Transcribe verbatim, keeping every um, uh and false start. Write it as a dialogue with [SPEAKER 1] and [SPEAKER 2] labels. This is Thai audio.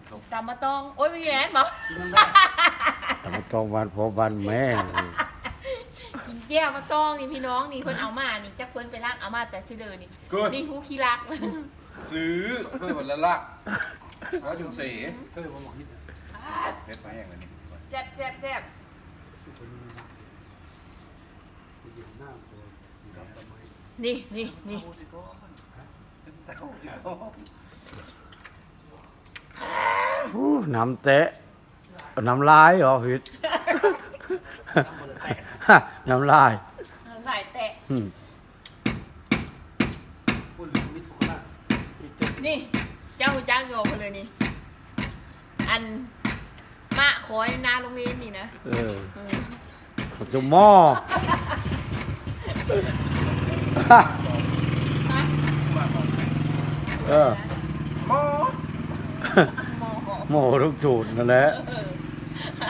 [SPEAKER 1] ตำมะตองโอ้ยไม่แย่บอก
[SPEAKER 2] แต่มาต้องวันพอวันแม่
[SPEAKER 1] กินแก้วมะตองนี่พี่น้องนี่เพิ่นเอามานี่จักเพิ่นไปรักเอามาแต่ซื้อเด้อนี่นี่ฮู้ขี้รัก
[SPEAKER 3] ซื้อเพื่อวันละละแล้วจุ่มเส
[SPEAKER 4] เออผมบอกนิด
[SPEAKER 3] เพชรไปอย่างนี้
[SPEAKER 1] แซ่บแซ่บแซ่บ
[SPEAKER 4] อยู่หน้าตัวอยู่ดอกต้นไม้
[SPEAKER 1] นี่นี่นี่
[SPEAKER 2] อู้น้ำเตะน้ำลายเหรอพิษ น้ำลาย
[SPEAKER 1] หลายแตะ
[SPEAKER 2] อืม
[SPEAKER 4] พูดถึงมิตรโคราชมิตร
[SPEAKER 1] นี่เจ้าจ้างโยมาเลยนี่อันมะขอยนาโรงเรียนนี่นะ
[SPEAKER 2] เออ
[SPEAKER 1] เออ
[SPEAKER 2] จุ่มหม้อ เออ
[SPEAKER 3] หมอ
[SPEAKER 1] มอ
[SPEAKER 2] หม้อทุกจุดนั่นแหละ
[SPEAKER 1] เออ